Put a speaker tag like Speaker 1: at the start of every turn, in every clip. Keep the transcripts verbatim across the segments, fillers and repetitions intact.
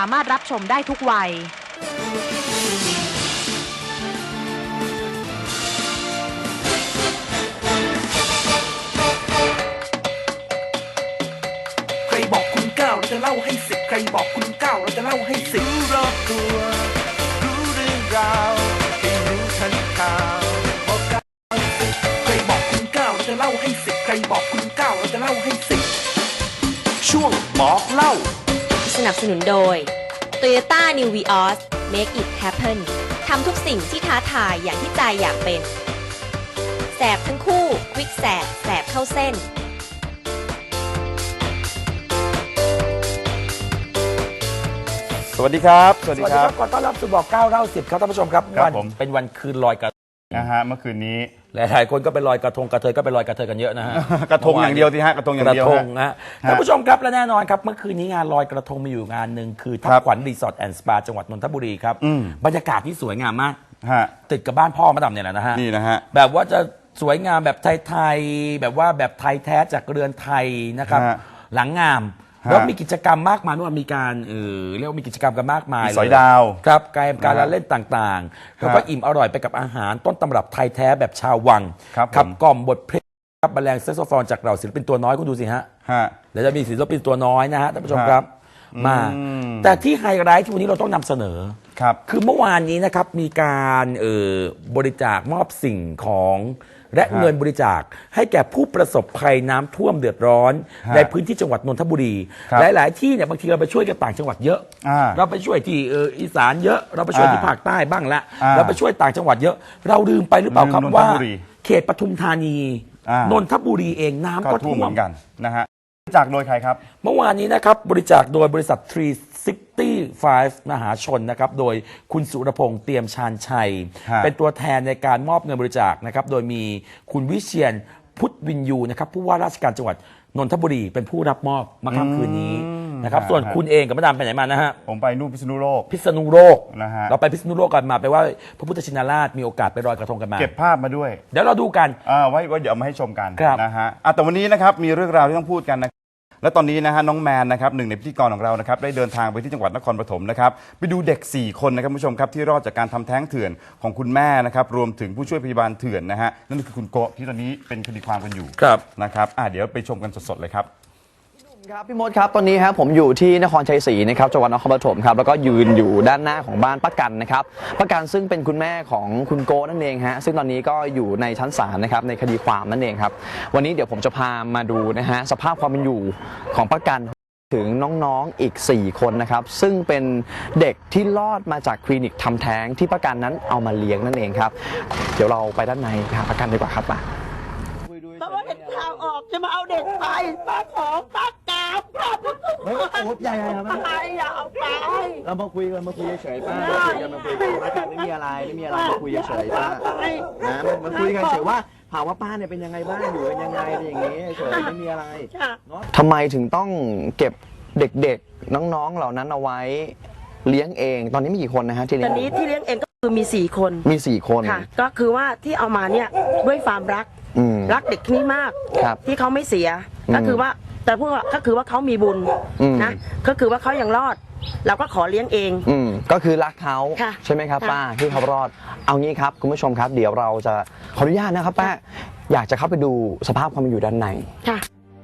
Speaker 1: สามารถรับชมได้ทุกวัย
Speaker 2: ใครบอกคุณเก้าเราจะเล่าให้สิบใครบอกคุณเก้าเราจะเล่าให้สิบรู้รอบตัวรู้เรื่องราวให้รู้ทันข่าวบอกเก้าสิบใครบอกคุณเก้าเราจะเล่าให้สิบใครบอกคุณเก้าเราจะเล่าให้สิบช่วงบอกเล่า
Speaker 3: สนับสนุนโดย Toyota New Vios Make it happen ทำทุกสิ่งที่ท้าทายอย่างที่ใจอยากเป็นแสบทั้งคู่ควิกแสบแสบเข้าเส้น
Speaker 4: สวัสดีครับสวัสดีครับ
Speaker 5: ขอต้อนรับสู่บอกเก้าเล่าสิบครับท่านผู้ชมครับวันเป็นวันคืนลอยกระทง
Speaker 4: นะฮะเมื่อคืนนี้
Speaker 5: หลายๆคนก็ไปลอยกระทงกระเทยก็ไปลอยกระเทยกันเยอะนะฮะ
Speaker 4: กระทงอย่างเดียวที่ฮะกระทงอย่างเดียว
Speaker 5: กระทงนะท่านผู้ชมครับและแน่นอนครับเมื่อคืนนี้งานลอยกระทงมีอยู่งานหนึ่งคือทับขวัญรีสอร์ทแอนด์สปาจังหวัดนนทบุรีครับบรรยากาศที่สวยงามมากติดกับบ้านพ่อมาดำเนี่ยแหละนะฮะ
Speaker 4: นี่นะฮะ
Speaker 5: แบบว่าจะสวยงามแบบไทยๆแบบว่าแบบไทยแท้จากเรือนไทยนะครับหลังงามแล้วมีกิจกรรมมากมายว่ามีการเออเรียกว่ามีกิจกรรมกันมากมาย
Speaker 4: สอยดาว
Speaker 5: ครับการการเล่นต่างๆแล้วก็อิ่มอร่อยไปกับอาหารต้นตำรับไทยแท้แบบชาววังขับกล่อมบทเพลงครับบรรเลงแซกโซโฟนจากเราศิลปินตัวน้อยคุณดูสิฮะเดี๋ยวจะมีศิลปินตัวน้อยนะฮะท่านผู้ชมครับมาแต่ที่ไฮไลท์ที่วันนี้เราต้องนำเสนอ
Speaker 4: ครับ
Speaker 5: คือเมื่อวานนี้นะครับมีการเอ่อบริจาคมอบสิ่งของและเงินบริจาคให้แก่ผู้ประสบภัยน้ำท่วมเดือดร้อนในพื้นที่จังหวัดนนทบุรี หลายๆที่เนี่ยบางทีเราไปช่วยกันต่างจังหวัดเยอะเราไปช่วยที่อีสานเยอะเราไปช่วยที่ภาคใต้บ้างละเราไปช่วยต่างจังหวัดเยอะเราลืมไปหรือเปล่าครับว่าเขตปทุมธานีนนทบุรีเองน้ำก็ท่วม
Speaker 4: เหมือนกันนะฮะบริจาคโดยใครครับ
Speaker 5: เมื่อวานนี้นะครับบริจาคโดยบริษัททรีซิตี้ไฟฟ์มหาชนนะครับโดยคุณสุรพงษ์เตรียมชาญชัยเป็นตัวแทนในการมอบเงินบริจาคนะครับโดยมีคุณวิเชียรพุทธวินยูนะครับผู้ว่าราชการจังหวัดนนทบุรีเป็นผู้รับมอบมาค่ำคืนนี้นะครับส่วนคุณเองกับมาดามไปไหนมานะฮะ
Speaker 4: ผมไปนู่นพิษณุโลก
Speaker 5: พิษณุโลก
Speaker 4: นะฮะ
Speaker 5: เราไปพิษณุโลกกันมาไปว่าพระพุทธชินราชมีโอกาสไปลอยกระทงกันมา
Speaker 4: เก็บภาพมาด้วย
Speaker 5: เดี๋ยวเราดูกัน
Speaker 4: อ่าไว้ไว้เดี๋ยวมาให้ชมกันนะฮะอ่ะแต่วันนี้นะครับมีเรื่องราวที่ต้องพูดกันนะและตอนนี้นะฮะน้องแมนนะครับหนึ่งในพิธีกรของเรานะครับได้เดินทางไปที่จังหวัดนครปฐมนะครับไปดูเด็กสี่คนนะครับผู้ชมครับที่รอดจากการทำแท้งเถื่อนของคุณแม่นะครับรวมถึงผู้ช่วยพยาบาลเถื่อนนะฮะนั่นคือคุณโกะที่ตอนนี้เป็นคดีความกันอยู่นะครับอ่ะเดี๋ยวไปชมกันสดๆเลยครับ
Speaker 6: ครับพี่มดครับตอนนี้ครับผมอยู่ที่นครชัยศรีนะครับจังหวัดนครปฐมครับแล้วก็ยืนอยู่ด้านหน้าของบ้านป้ากันนะครับป้ากันซึ่งเป็นคุณแม่ของคุณโกนั่นเองฮะซึ่งตอนนี้ก็อยู่ในชั้นศาลนะครับในคดีความนั่นเองครับวันนี้เดี๋ยวผมจะพามาดูนะฮะสภาพความเป็นอยู่ของป้ากันถึงน้องๆอีกสี่คนนะครับซึ่งเป็นเด็กที่รอดมาจากคลินิกทำแท้งที่ป้ากันนั้นเอามาเลี้ยงนั่นเองครับเดี๋ยวเราไปด้านในหาป้ากันดีกว่าครับป้า
Speaker 7: เพราะว่าเป็นข่าวออกจะมาเอาเด็กไปป้าของป้ากราบครับ
Speaker 6: เฮ้ยโอ้ใหญ่ๆครับ
Speaker 7: ไปอย่าเอาไป
Speaker 6: เรามาคุยกันมาคุยเฉยๆป้ามาคุยกันมาคุยกันไม่มีอะไรไม่มีอะไรมาคุยเฉยๆป้านะมาคุยกันเฉยว่าถามว่าป้าเนี่ยเป็นยังไงบ้างอยู่เป็นยังไงอะไรอย่างงี้เฉยไม่มีอะไรทำไมถึงต้องเก็บเด็กๆน้องๆเหล่านั้นเอาไว้เลี้ยงเองตอนนี้มีกี่คนนะฮะที่เลี้ยง
Speaker 7: ตอนนี้ที่เลี้ยงเองก็คือมีสี่คน
Speaker 6: มีสี่คน
Speaker 7: ค่ะก็คือว่าที่เอามาเนี่ยด้วยความรักรักเด็กนี้มากที่เขาไม่เสียก็คือว่าแต่พวกก็คือว่าเขามีบุญนะก็คือว่าเขายังรอดเราก็ขอเลี้ยงเอง
Speaker 6: อืมก็คือรักเขาใช่ไหมครับป้าที่เขารอดเอางี้ครับคุณผู้ชมครับเดี๋ยวเราจะขออนุญาตนะครับป้าอยากจะเข้าไปดูสภาพความเป็นอยู่ด้านใน
Speaker 7: ค่ะ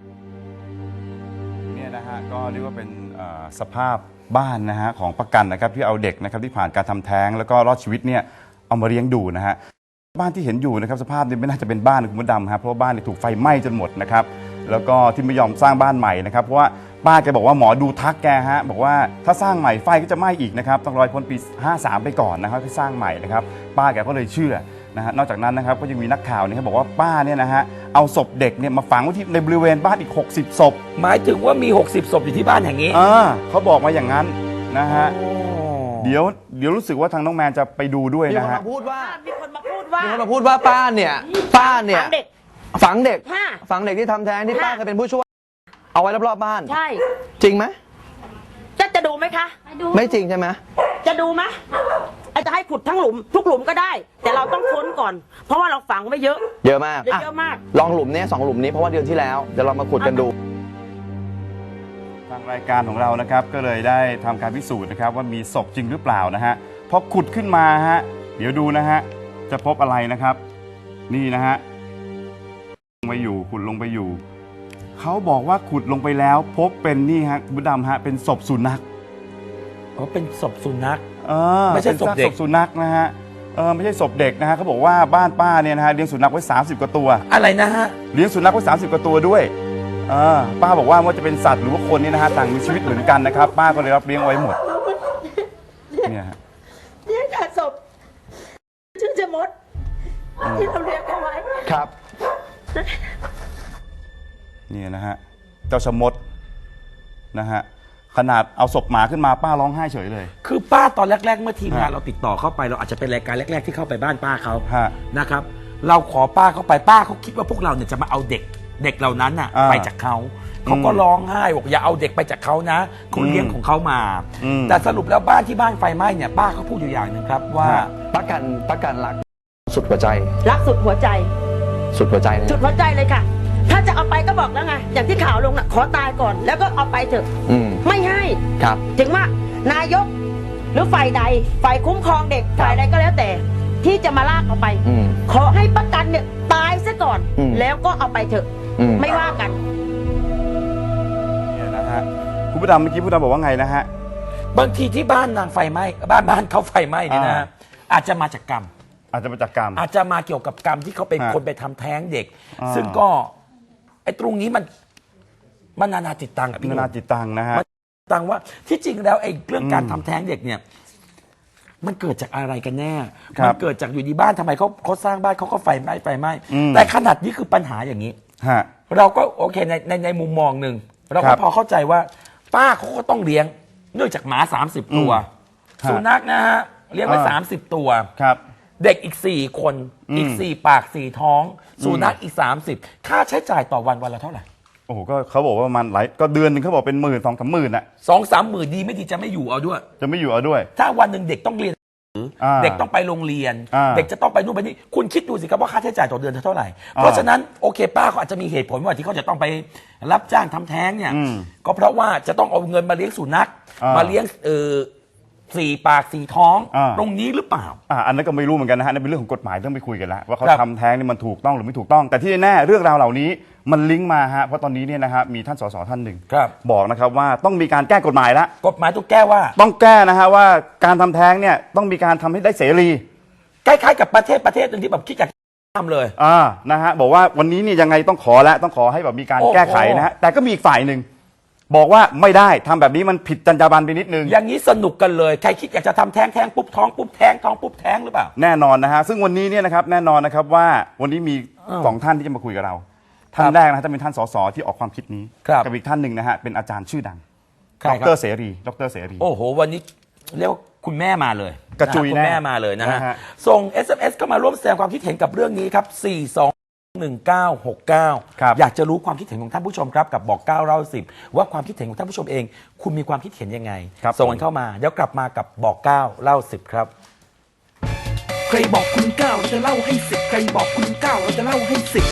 Speaker 4: เนี่ยนะฮะก็เรียกว่าเป็นสภาพบ้านนะฮะของประกันนะครับที่เอาเด็กนะครับที่ผ่านการทำแท้งแล้วก็รอดชีวิตเนี่ยเอามาเลี้ยงดูนะฮะบ้านที่เห็นอยู่นะครับสภาพนี้ไม่น่าจะเป็นบ้านคุณมดดำครับเพราะว่าบ้านถูกไฟไหม้จนหมดนะครับแล้วก็ที่ไม่ยอมสร้างบ้านใหม่นะครับเพราะว่าป้าแกบอกว่าหมอดูทักแกฮะบอกว่าถ้าสร้างใหม่ไฟก็จะไหม้อีกนะครับต้องรอพ้นปีห้าสามไปก่อนนะครับที่สร้างใหม่นะครับป้าแกก็เลยเชื่อนะฮะนอกจากนั้นนะครับก็ยังมีนักข่าวนี่ครับบอกว่าป้าเนี่ยนะฮะเอาศพเด็กเนี่ยมาฝังไว้ที่ในบริเวณบ้านอีกหกสิบศพ
Speaker 5: หมายถึงว่ามีหกสิบศพอยู่ที่บ้านแห่งนี้
Speaker 4: อ่าเขาบอกมาอย่างนั้นนะฮะเดี๋ยวเดี๋ยวรู้สึกว่าทางน้องแมนจะไปดูด้วยนะฮะ
Speaker 6: มีคนมาพูดว่า
Speaker 7: มีคนมาพูดว่า
Speaker 6: มีคนมาพูดว่าป้าเนี่ยป้าเนี่ย
Speaker 7: ฝังเด็ก
Speaker 6: ฝังเด็กฝังเด็กที่ทำแท้งที่ป้าเคยเป็นผู้ช่วยเอาไว้รอบๆบ้าน
Speaker 7: ใช่
Speaker 6: จริงไหม
Speaker 7: จะจะดูไหมคะ
Speaker 6: ไม่จริงใช่ไหม
Speaker 7: จะดูไหมจะให้ขุดทั้งหลุมทุกหลุมก็ได้แต่เราต้องค้นก่อนเพราะว่าเราฝังไว้เยอะ
Speaker 6: เยอะมาก
Speaker 7: เยอะมาก
Speaker 6: ลองหลุมนี้สองหลุมนี้เพราะว่าเดือนที่แล้วเดี๋ยวเรามาขุดกันดู
Speaker 4: ทางรายการของเรานะครับก็เลยได้ทำการพิสูจน์นะครับว่ามีศพจริงหรือเปล่านะฮะพอขุดขึ้นมาฮะเดี๋ยวดูนะฮะจะพบอะไรนะครับ นี่นะฮะลงไปอยู่ขุดลงไปอยู่เขาบอกว่าขุดลงไปแล้วพบเป็นนี่ฮะคุณดำฮะเป็นศพสุนัข
Speaker 5: อ๋อเป็นศพสุนัข
Speaker 4: เออ
Speaker 5: ไม่ใช่ศพเด็ก
Speaker 4: ป็นซากสุนัขนะฮะเออไม่ใช่ศพเด็กนะฮะเขาบอกว่าบ้านป้าเนี่ยนะฮะเลี้ยงสุนัขไว้สามสิบกว่าตัว
Speaker 5: อะไรนะฮะ
Speaker 4: เลี้ยงสุนัขไว้สามสิบกว่าตัวด้วยเออป้าบอกว่าไม่ว่าจะเป็นสัตว์หรือว่าคนเนี่ยนะฮะต่างมีชีวิตเหมือนกันนะครับป้าก็เลยรับเลี้ยงไว้หมดเนี่ยฮะ
Speaker 7: เนี่ยค่ะศพชื่อเจมดที่เราเรียกเอาไว้
Speaker 6: ครับ
Speaker 4: เนี่ยนะฮะเจ้าชะมดนะฮะขนาดเอาศพหมาขึ้นมาป้าร้องไห้เฉยเลย
Speaker 5: คือป้าตอนแรก ๆ เมื่อทีมงาน
Speaker 4: ฮะ
Speaker 5: เราติดต่อเข้าไปเราอาจจะเป็นรายการแรก ๆ ที่เข้าไปบ้านป้าเขา
Speaker 4: ฮะ
Speaker 5: นะครับ เราขอป้าเข้าไปป้าเขาคิดว่าพวกเราเนี่ยจะมาเอาเด็กเด็กเหล่านั้นน่ะ
Speaker 4: อ่า
Speaker 5: ไปจากเขาเขาก็ร้องไห้บอกอย่าเอาเด็กไปจากเขานะเขาเลี้ยงของเขามา
Speaker 4: อืม
Speaker 5: แต่สรุปแล้วบ้านที่บ้านไฟไหม้เนี่ยป้าเขาพูดอยู่อย่างหนึ่งครับว่า
Speaker 4: ฮะ
Speaker 6: ประกันประกันรักสุดหัวใจ
Speaker 7: รักสุดหัวใจ
Speaker 6: สุดหัวใจเลย
Speaker 7: สุดหัวใจเลยค่ะ ถ้าจะเอาไปก็บอกแล้วไง อย่างที่ข่าวลงน่ะ ขอตายก่อน แล้วก็เอาไปเถอะ
Speaker 6: อืม
Speaker 7: ไม่ให้
Speaker 6: ครับ
Speaker 7: ถึงว่านายก หรือฝ่ายใด ฝ่ายคุ้มครองเด็ก ฝ่ายใดก็แล้วแต่ ที่จะมาลากเอาไป
Speaker 6: อืม
Speaker 7: ขอให้ประกันเนี่ยตายซะก่อน
Speaker 6: อืม
Speaker 7: แล้วก็เอาไปเถอะ
Speaker 6: อืม
Speaker 7: ไม่ว่ากัน
Speaker 4: เนี่ยนะฮะคุณผู้ดำเมื่อกี้ผู้ดำบอกว่าไงนะฮะ
Speaker 5: บางทีที่บ้านนางไฟไหม้บ้านบ้านเขาไฟไหม้นี่นะ
Speaker 4: อ่า
Speaker 5: อาจจะมาจากกรรม
Speaker 4: อาจจะมาจากกรรม
Speaker 5: อาจจะมาเกี่ยวกับกรรมที่เขาเป็น
Speaker 4: ฮะ
Speaker 5: คนไปทำแท้งเด็ก
Speaker 4: อ่า
Speaker 5: ซึ่งก็ไอ้ตรงนี้มันมันนานาจิตตังอะพี่ห
Speaker 4: นา
Speaker 5: นุ่
Speaker 4: นาม จิตตังนะฮะ
Speaker 5: มันตังว่าที่จริงแล้วไอ้เรื่องการ
Speaker 4: อืม
Speaker 5: ทำแท้งเด็กเนี่ย มันเกิดจากอะไรกันแน่
Speaker 4: ครับ
Speaker 5: มัเกิดจากอยู่ดีบ้านทำไมเขาเขาสร้างบ้านเขาก็ไฟไหม้ไฟไหม้
Speaker 4: อืม
Speaker 5: แต่ขนาดนี้คือปัญหาอย่างนี้
Speaker 4: ฮะ
Speaker 5: เราก็โอเคในในในมุมมองหนึ่งเรา
Speaker 4: ค
Speaker 5: ก็
Speaker 4: รับ
Speaker 5: พอเข้าใจว่า ป้าเขาก็ต้องเลี้ยง เนื่องจากหมาสามสิบตัว
Speaker 4: ฮะ
Speaker 5: สุนัขนะฮะเลี้ยงไว้
Speaker 4: อ่า
Speaker 5: สามสิบตัว
Speaker 4: ครับ
Speaker 5: เด็กอีกสี่คน
Speaker 4: อืม
Speaker 5: อีกสี่ปากสี่ท้องสุนัขอีกสามสิบค่าใช้จ่ายต่อวันวันละเท่าไหร่
Speaker 4: โอ้โหก็เขาบอกว่าประมาณหลายก็เดือนหนึ่งเขาบอกเป็นหมื่นสองสามหมื่นอะ
Speaker 5: สองสามหมื่นดีไม่ดีจะไม่อยู่เอาด้วย
Speaker 4: จะไม่อยู่เอาด้วย
Speaker 5: ถ้าวันหนึ่งเด็กต้องเรียน
Speaker 4: อ่า
Speaker 5: เด็กต้องไปโรงเรียน
Speaker 4: อ่า
Speaker 5: เด็กจะต้องไปนู่นไปนี่คุณคิดดูสิครับว่าค่าใช้จ่ายต่อเดือนเท่าไหร่ เพราะฉะนั้นโอเคป้าเขาอาจจะมีเหตุผลว่าที่เขาจะต้องไปรับจ้างทำแท้งเนี่ย
Speaker 4: อืม
Speaker 5: ก็เพราะว่าจะต้องเอาเงินมาเลี้ยงสุนัข
Speaker 4: อ่าม
Speaker 5: มาเลี้ยงเออสี่ปากสี่ท้อง
Speaker 4: อ่า
Speaker 5: ตรงนี้หรือเปล่า
Speaker 4: อ่าอันนั้นก็ไม่รู้เหมือนกันนะฮะนั่นเป็นเรื่องของกฎหมายต้องไปคุยกันแล้วว่าเขา
Speaker 5: ครับ
Speaker 4: ทำแท้งนี่มันถูกต้องหรือไม่ถูกต้อง แต่ที่แน่ๆเรื่องราวเหล่านี้มันลิงก์มาฮะเพราะตอนนี้เนี่ยนะฮะมีท่านสสท่านหนึ่ง
Speaker 5: ครับ
Speaker 4: บอกนะครับว่าต้องมีการแก้กฎหมายแล้ว
Speaker 5: กฎหมายต้องแก้ว่า
Speaker 4: ต้องแก้นะฮะว่าการทำแท้งเนี่ยต้องมีการทำให้ได้เสรี
Speaker 5: คล้ายๆกับประเทศประเทศหนึ่งที่แบบคิดอยากทำเลย
Speaker 4: อ่านะฮะบอกว่าวันนี้เนี่ยยังไงต้องขอแล้วต้องขอให้แบบมีการ
Speaker 5: โอ้โห
Speaker 4: แก้ไขนะฮะแต่ก็มีอีกฝ่ายหนึ่งบอกว่าไม่ได้ทำแบบนี้มันผิดจรรยาบรรณไปนิดนึง
Speaker 5: อย่างนี้สนุกกันเลยใครคิดอยากจะทำแท้งแท้งปุ๊บท้องปุ๊บแท้งท้องปุ๊บแท้งหรือเปล่า
Speaker 4: แน่นอนนะฮะซึ่งวันนี้เนี่ยนะครับแน่นอนนะครับว่าวันนี้มี
Speaker 5: อ้าว
Speaker 4: สองท่านที่จะมาคุยกับเรา ท่าน
Speaker 5: ครับ
Speaker 4: แรกนะฮะจะเป็นท่านสสที่ออกความคิดนี้
Speaker 5: ครับ
Speaker 4: กับอีกท่านหนึ่งนะฮะเป็นอาจารย์ชื่อดัง
Speaker 5: ใคร
Speaker 4: ด
Speaker 5: ครับ
Speaker 4: รเสรีดรเสรี
Speaker 5: โอ้โห วันนี้เรียกว่าคุณแม่มาเลย
Speaker 4: กระจุย
Speaker 5: นฮคุณ
Speaker 4: แน่
Speaker 5: แม่มาเลยนะฮะ
Speaker 4: นะฮะ
Speaker 5: ส่ง เอส เอ็ม เอส เข้ามาร่วมแสดงความคิดเห็นกับเรื่องนี้ครับ สี่ สอง หนึ่ง เก้า หก เก้า
Speaker 4: ครับ
Speaker 5: อยากจะรู้ความคิดเห็นของท่านผู้ชมครับ กับบอกเก้าเล่าสิบว่าความคิดเห็นของท่านผู้ชมเอง คุณมีความคิดเห็นยังไง
Speaker 4: ครับ
Speaker 5: ส่งกันเข้ามา เดี๋ยวกลับมากับบอกเก้าเล่าสิบครับ
Speaker 2: ใครบอกคุณเก้าเราจะเล่าให้สิบใครบอกคุณเก้าเราจะเล่าให้สิบ